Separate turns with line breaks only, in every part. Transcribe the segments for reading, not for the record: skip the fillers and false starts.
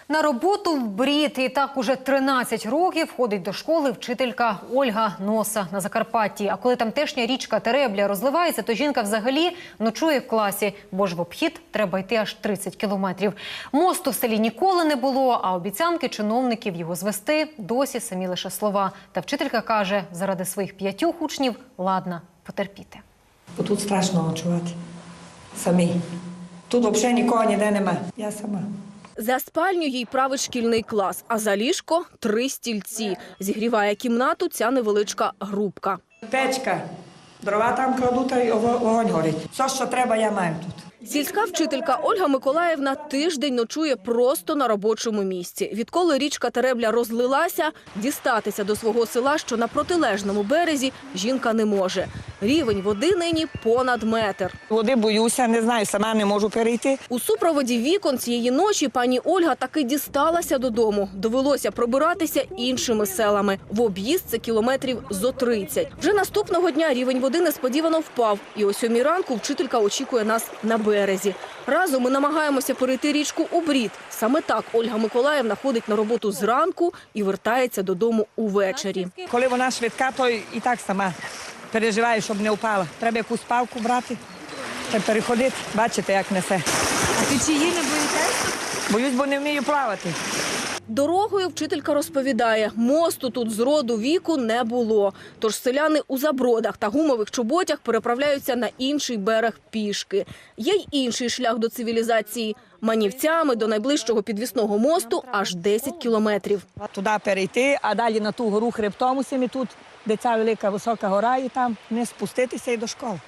На роботу в брід. І так уже 13 років ходить до школи вчителька Ольга Носа на Закарпатті. А коли тамтешня річка Теребля розливається, то жінка взагалі ночує в класі, бо ж в обхід треба йти аж 30 кілометрів. Мосту в селі ніколи не було, а обіцянки чиновників його звести досі самі лише слова. Та вчителька каже, заради своїх 5 учнів ладна потерпіти.
Бо тут страшно ночувати. Самі. Тут взагалі нікого ніде нема. Я сама.
За спальню їй править шкільний клас, а за ліжко – 3 стільці. Зігріває кімнату ця невеличка грубка.
Печка. Дрова там кладу, та й вогонь горить. Все, що треба, я маю тут.
Сільська вчителька Ольга Миколаївна тиждень ночує просто на робочому місці. Відколи річка Теребля розлилася, дістатися до свого села, що на протилежному березі, жінка не може. Рівень води нині понад метр.
Води боюся, не знаю, сама не можу перейти.
У супроводі вікон цієї ночі пані Ольга таки дісталася додому. Довелося пробиратися іншими селами. В об'їзд це кілометрів зо 30. Вже наступного дня рівень води несподівано впав. І о 7 ранку вчителька очікує нас на березі. Разом ми намагаємося перейти річку у брід. Саме так Ольга Миколаївна ходить на роботу зранку і вертається додому увечері.
Коли вона швидка, то і так сама переживаю, щоб не впала. Треба якусь палку брати та переходити. Бачите, як несе.
А течії не боїтеся?
Боюсь, бо не вмію плавати.
Дорогою вчителька розповідає, мосту тут з роду віку не було. Тож селяни у забродах та гумових чоботях переправляються на інший берег пішки. Є й інший шлях до цивілізації. Манівцями до найближчого підвісного мосту аж 10 кілометрів.
Туди перейти, а далі на ту гору хребтом усім і тут, де ця велика висока гора, і там не спуститися і до школи.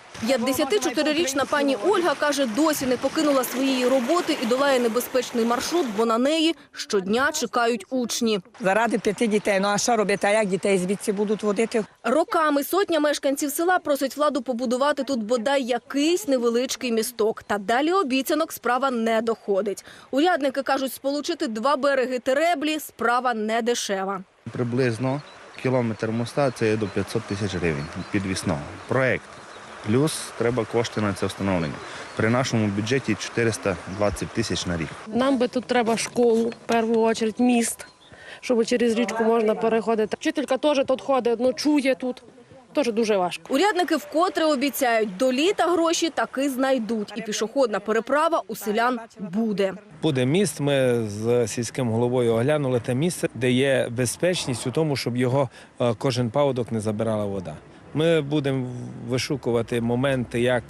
54-річна пані Ольга каже, досі не покинула своєї роботи і долає небезпечний маршрут, бо на неї щодня чекають учні.
Заради 5 дітей. Ну а що робити? А як дітей звідси будуть водити?
Роками сотня мешканців села просить владу побудувати тут бодай якийсь невеличкий місток. Та далі обіцянок справа не доходить. Урядники кажуть, сполучити 2 береги Тереблі – справа не дешева.
Приблизно кілометр моста – це до 500 тисяч гривень підвісного. Проєкт. Плюс треба кошти на це встановлення. При нашому бюджеті 420 тисяч на рік.
Нам би тут треба школу, в першу чергу міст, щоб через річку можна переходити. Вчителька теж тут ходить, ночує тут. Теж дуже важко.
Урядники вкотре обіцяють, до літа гроші таки знайдуть. І пішохідна переправа у селян буде.
Буде міст, ми з сільським головою оглянули те місце, де є безпечність у тому, щоб його кожен паводок не забирала вода. Ми будемо вишукувати моменти, як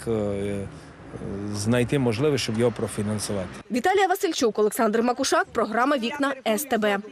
знайти можливість, щоб його профінансувати.
Віталія Васильчук, Олександр Макушак, програма «Вікна СТБ».